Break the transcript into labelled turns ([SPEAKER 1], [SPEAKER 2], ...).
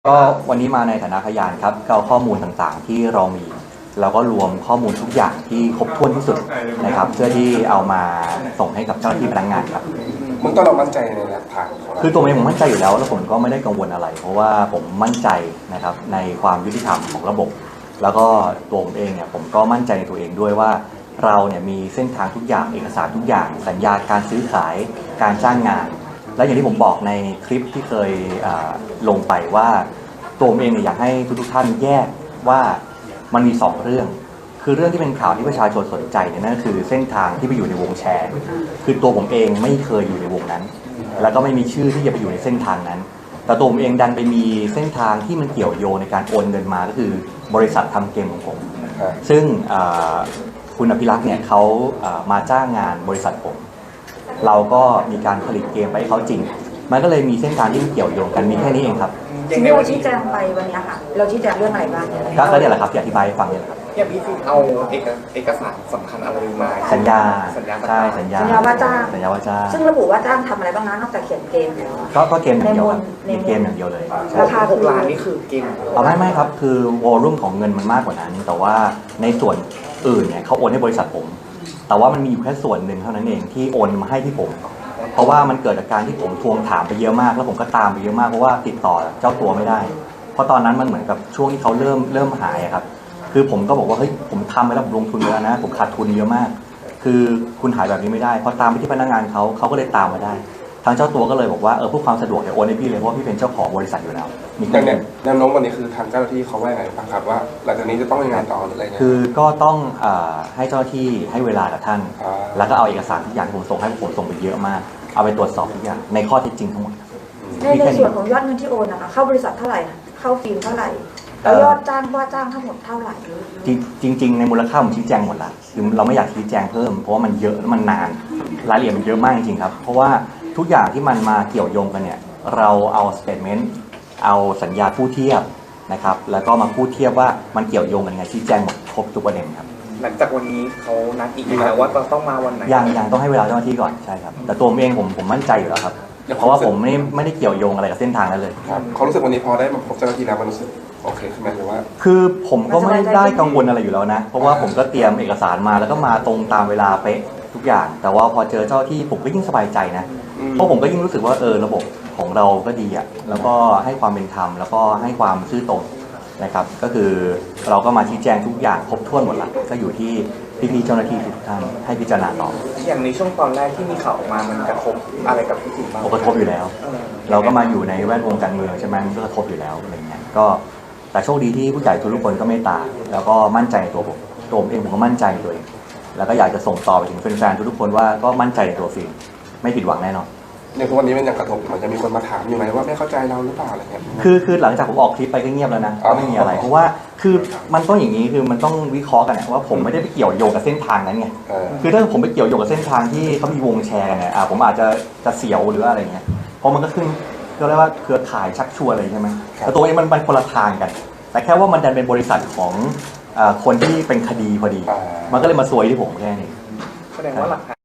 [SPEAKER 1] ก็วันนี้มาในฐานะพยานครับก็เอาข้อมูลต่างๆที่เรามีเราก็รวมข้อมูลทุกอย่างที่ครบถ้วนที่สุดนะครับเพื่อที่เอามาส่งให้กับเจ้าหน้าที่พนักงานครับ
[SPEAKER 2] มึงต้องเรามั่นใจในหลักฐาน
[SPEAKER 1] คือตัวเองผมมั่นใจอยู่แล้วผมก็ไม่ได้กังวลอะไรเพราะว่าผมมั่นใจนะครับในความยุติธรรมของระบบ แล้วก็ตัวผมเองเนี่ยผมก็มั่นใจในตัวเองด้วยว่าเราเนี่ยมีเส้นทางทุกอย่างเอกสารทุกอย่างสัญญาการซื้อขายการจ้างงานและอย่างที่ผมบอกในคลิปที่เคยลงไปว่าตัวผมเองเนี่ยอยากให้ทุกท่านแยกว่ามันมี2เรื่องคือเรื่องที่เป็นข่าวที่ประชาชนสนใจเนี่ยนั่นคือเส้นทางที่ไปอยู่ในวงแชร์คือตัวผมเองไม่เคยอยู่ในวงนั้นแล้วก็ไม่มีชื่อที่จะไปอยู่ในเส้นทางนั้นแต่ตัวผมเองดันไปมีเส้นทางที่มันเกี่ยวโยงในการโอนเงินมาก็คือบริษัททำเกมของผมซึ่งคุณอภิรักษ์เนี่ยเขามาจ้างงานบริษัทผมเราก็มีการผลิตเกมไปให้เขาจริงมันก็เลยมีเส้นทางที่เกี่ยวโยงกันมีแค่นี้เองครับ
[SPEAKER 3] สิ่งที่เราชี้แจงไปวันนี้ค่ะเราชี้แจงเรื่องอะไรบ้าง
[SPEAKER 1] ก็เนี่ยแหละครับที่อธิบายให้ฟังเนี่ยครับ
[SPEAKER 4] อย่างพี่ฟิล์มเอาเอกสารสำคัญอะไรมา
[SPEAKER 1] สัญญาใช่
[SPEAKER 3] สัญญาว่าจ้างซึ่งระบุว่าจ้างทำอะไรบ้างนะนอกจากเขียนเกม
[SPEAKER 1] ก็เกมอย่างเดียวมีเกมอย่างเดียวเลย
[SPEAKER 3] ราคา
[SPEAKER 4] 6 ล้านนี่คือเกม
[SPEAKER 1] ไม่ครับคือวอลลุ่มของเงินมันมากกว่านั้นแต่ว่าในส่วนอื่นเนี่ยเขาโอนให้บริษัทผมแต่ว่ามันมีอยู่แค่ส่วนหนึ่งเท่านั้นเองที่โอนมาให้ที่ผมเพราะว่ามันเกิดจากการที่ผมทวงถามไปเยอะมากแล้วผมก็ตามไปเยอะมากเพราะว่าติดต่อเจ้าตัวไม่ได้เพราะตอนนั้นมันเหมือนกับช่วงที่เขาเริ่มหายครับคือผมก็บอกว่าเฮ้ยผมทำไปแล้วผมลงทุนไปแล้วนะผมขาดทุนเยอะมากคือคุณหายแบบนี้ไม่ได้พอตามไปที่พนักงานเขาก็เลยตามมาได้ทางเจ้าตัวก็เลยบอกว่าเพื่อความสะดวกเนี่ยโอนให้พี่เลยเพราะพี่เป็นเจ้าของบริษัทอยู่แล้ว
[SPEAKER 2] มีการแนวโน้มวันนี้คือทางเจ้าหน้าที่เขาว่าไงบ้างครับว่าหลังจากนี้จะต้องยังไงต่ออะไรเงี้ย
[SPEAKER 1] คือก็ต้องให้เจ้าหน้าที่ให้เวลากับท่านแล้วก็เอาเอกสารทุกอย่างที่ผมส่งให้ผมส่งไปเยอะมากเอาไปตรวจสอบทุกอย่างในข้อเท็จจริงทั้งหมด
[SPEAKER 3] ในส่วนของยอดเงินที่โอนนะคะเข้าบริษัทเท่าไหร่เข้าฟิล์มเท่าไหร่แล้วยอดจ้างว่าจ้างทั้งหมดเท่าไหร่
[SPEAKER 1] จริงในมูลค่าผมชี้แจงหมดละคือเราไม่อยากชี้แจงเพิ่มเพราะว่ามันเยอะมันนานรายละเอียดมันเยอะมากจริงๆครับเพราะว่าทุกอย่างที่มันมาเกี่ยวโยงกันเนี่ยเราเอาสเตทเมนต์เอาสัญญาคู่เทียบนะครับแล้วก็มาคู่เทียบว่ามันเกี่ยวโยงกันยังไงชี้แจงหมดครบทุกประเด็นครับ
[SPEAKER 4] หลังจากวันนี้เขานัดอีกแล้วว่าต้องมาวันไหน
[SPEAKER 1] ยังต้องให้เวลาเจ้าหน้าที่ก่อนใช่ครับแต่ตัวผมเองผมมั่นใจอยู่แล้วครับเพราะว่าผมไม่ได้เกี่ยวโยงอะไรกับเส้นทางนั้นเลย
[SPEAKER 2] ครับเขารู้สึกวันนี้พอได้มาพบเจ้าหน้าที่แล้วมันรู้สึกโอเคใช่ไหมหรือว่า
[SPEAKER 1] คือผมก็ไม่ได้กังวลอะไรอยู่แล้วนะเพราะว่าผมก็เตรียมเอกสารมาแล้วก็มาตรงตามเวลาเป๊ะทุกอย่างแต่ว่าพอเจอเจ้าที่ผมก็ยิ่งสบายใจนะเพราะผมก็ยิ่งรู้สึกว่าระบบของเราก็ดีอ่ะแล้วก็ให้ความเป็นธรรมแล้วก็ให้ความซื่อตรงนะครับก็คือเราก็มาชี้แจงทุกอย่างครบถ้วนหมดละก็อยู่ที่พี่ๆเจ้าหน้าที่ทุกท่านให้พิจารณาต่อ
[SPEAKER 4] อย่างในช่วงตอนแรกที่มีข่าวออกมามันกระทบอะไรกับพี่ติ๋มบ้าง
[SPEAKER 1] กระทบอยู่แล้วเราก็มาอยู่ในแวดวงการเมืองใช่ไหมมันก็กระทบอยู่แล้วอะไรเงี้ยก็แต่โชคดีที่ผู้ใหญ่ทุกคนก็เมตตาแล้วก็มั่นใจในตัวผมเองผมก็มั่นใจในตัวเองแล้วก็อยากจะส่งต่อไปถึงแฟนๆทุกคนว่าก็มั่นใจในตัวฟิล์มไม่ผิดหวังแน่นอน
[SPEAKER 2] ในทุกวันนี้มันยังกระทบมันจะมีคนมาถามอยู่ไหมว่าไม่เข้าใจเราหรือเปล่าอะไรเงี้ย
[SPEAKER 1] คือหลังจากผมออกคลิปไปก็เงียบแล้วนะก็ไม่มีอะไรเพราะว่าคือมันต้องอย่างนี้คือมันต้องวิเคราะห์กันว่าผมไม่ได้ไปเกี่ยวโยงกับเส้นทางนั้นไงคือถ้าผมไปเกี่ยวโยงกับเส้นทางที่เขามีวงแชร์กันเนี่ยผมอาจจะเสียวหรืออะไรเงี้ยเพราะมันก็ขึ้นก็เรียกว่าเครือข่ายชักชวนอะไรใช่ไหมแต่ตัวนี้มันคนละทางกันแต่แค่ว่ามันดันเป็นบริษัทของคนที่เป็นคดีพอดีมันก็เลยมาซวยที่ผมแค่นี้
[SPEAKER 4] แสดงว่าหลัก